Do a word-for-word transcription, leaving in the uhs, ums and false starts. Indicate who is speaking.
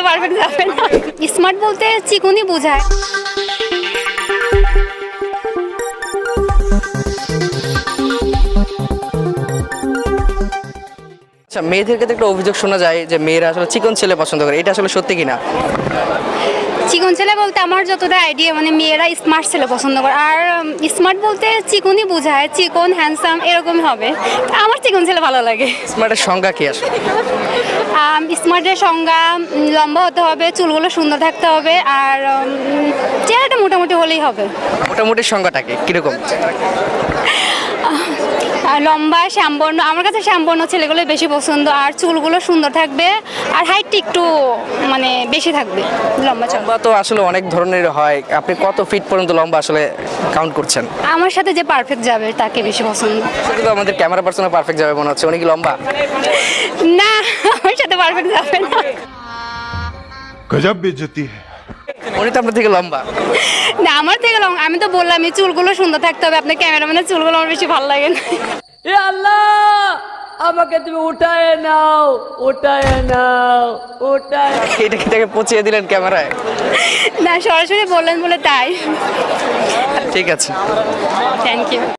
Speaker 1: Perfect যাবে না। Smart বলতে চিকনই বোঝায়।
Speaker 2: আচ্ছা, মেয়েদের ক্ষেত্রে একটা অভিযোগ শোনা যায় যে মেয়েরা আসলে চিকন ছেলে পছন্দ করে, এটা আসলে সত্যি কিনা?
Speaker 1: চিকন ছেলে বলতে আমার যতটা আইডিয়া মানে মেয়েরা স্মার্ট ছেলে পছন্দ করে, আর স্মার্ট বলতে চিকনই বোঝায়, চিকন হ্যান্ডসাম এরকমই হবে। আমার চিকন ছেলে ভালো লাগে।
Speaker 2: স্মার্টের সংজ্ঞা কি আসলে?
Speaker 1: স্মার্টের সংজ্ঞা উম, লম্বা হতে হবে, চুলগুলো সুন্দর থাকতে হবে, আর উম, চেহারাটা মোটামুটি হলেই হবে।
Speaker 2: মোটামুটি সংজ্ঞাটা কি কিরকম?
Speaker 1: আর লম্বা শ্যামবর্ণ, আমার কাছে শ্যামবর্ণ ছেলেগুলো বেশি পছন্দ, আর চুলগুলো সুন্দর থাকবে, আর হাইটটা একটু মানে বেশি থাকবে, লম্বা চল।
Speaker 2: লম্বা তো আসলে অনেক ধরনের হয়, আপনি কত ফিট পর্যন্ত লম্বা আসলে কাউন্ট করছেন?
Speaker 1: আমার সাথে যে পারফেক্ট যাবে তাকে বেশি পছন্দ।
Speaker 2: শুধু তো আমাদের ক্যামেরা পার্সনে পারফেক্ট যাবে মনে হচ্ছে, উনি কি লম্বা?
Speaker 1: না, আমার সাথে পারফেক্ট যাবে না।
Speaker 3: गजब बेइज्जती है।
Speaker 2: উনি তো আপনার থেকে লম্বা।
Speaker 1: না, আমার থেকে লং, আমি তো বললাম এই চুলগুলো সুন্দর থাকতে হবে, আপনার ক্যামেরাম্যানের চুলগুলো আমার বেশি ভালো লাগে না।
Speaker 4: এ আল্লাহ, আমাকে তুমি উঠায় নাও, উঠায় নাও, উঠায়।
Speaker 2: এটা কি তাকে পচিয়ে দিলেন ক্যামেরায়?
Speaker 1: না, সরাসরি বললেন বলে তাই।
Speaker 2: ঠিক আছে,
Speaker 1: থ্যাংক ইউ।